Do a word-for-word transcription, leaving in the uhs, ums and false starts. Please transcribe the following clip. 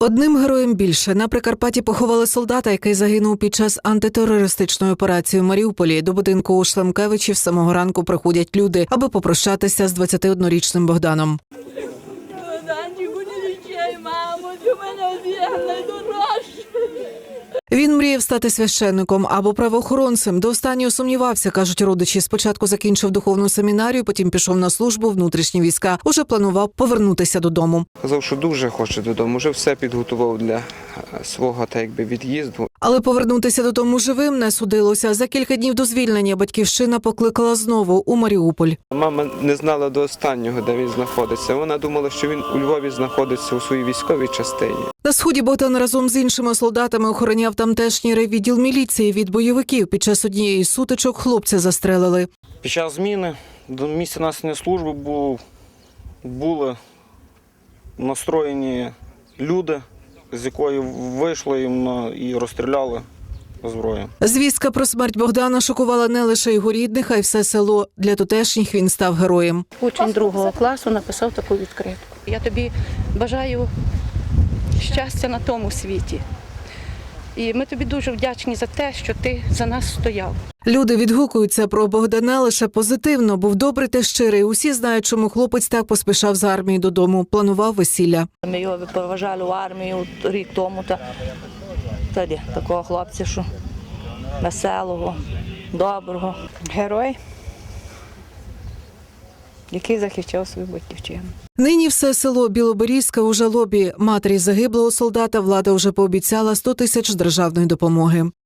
Одним героєм більше. На Прикарпатті поховали солдата, який загинув під час антитерористичної операції в Маріуполі. До будинку у Шлемкевичів з самого ранку приходять люди, аби попрощатися з двадцятиоднорічним Богданом. Богданчику, не вічай, мамо, ти мене з'єднай дорожче. Він мріяв стати священником або правоохоронцем. До останнього сумнівався, кажуть родичі. Спочатку закінчив духовну семінарію, потім пішов на службу в внутрішні війська. Уже планував повернутися додому. Казав, що дуже хоче додому, вже все підготував для свого так якби від'їзду. Але повернутися додому живим не судилося. За кілька днів до звільнення батьківщина покликала знову у Маріуполь. Мама не знала до останнього, де він знаходиться. Вона думала, що він у Львові знаходиться у своїй військовій частині. На сході Богдан разом з іншими солдатами охороняв тамтешній райвідділ міліції від бойовиків. Під час однієї з сутичок хлопця застрелили. Під час зміни до місця несення служби був, були настроєні люди, з якої вийшли їм і розстріляли зброю. Звістка про смерть Богдана шокувала не лише його рідних, а й все село. Для тутешніх він став героєм. Учень другого класу написав таку відкритку. Я тобі бажаю щастя на тому світі. І ми тобі дуже вдячні за те, що ти за нас стояв. Люди відгукуються про Богдана лише позитивно. Був добрий та щирий. Усі знають, чому хлопець так поспішав з армії додому. Планував весілля. Ми його проважали в армію рік тому. Та, тоді такого хлопця, що веселого, доброго. Герой, який захищав свою батьківщину. Нині все село Білоберізьке у жалобі. Матері загиблого солдата влада вже пообіцяла сто тисяч державної допомоги.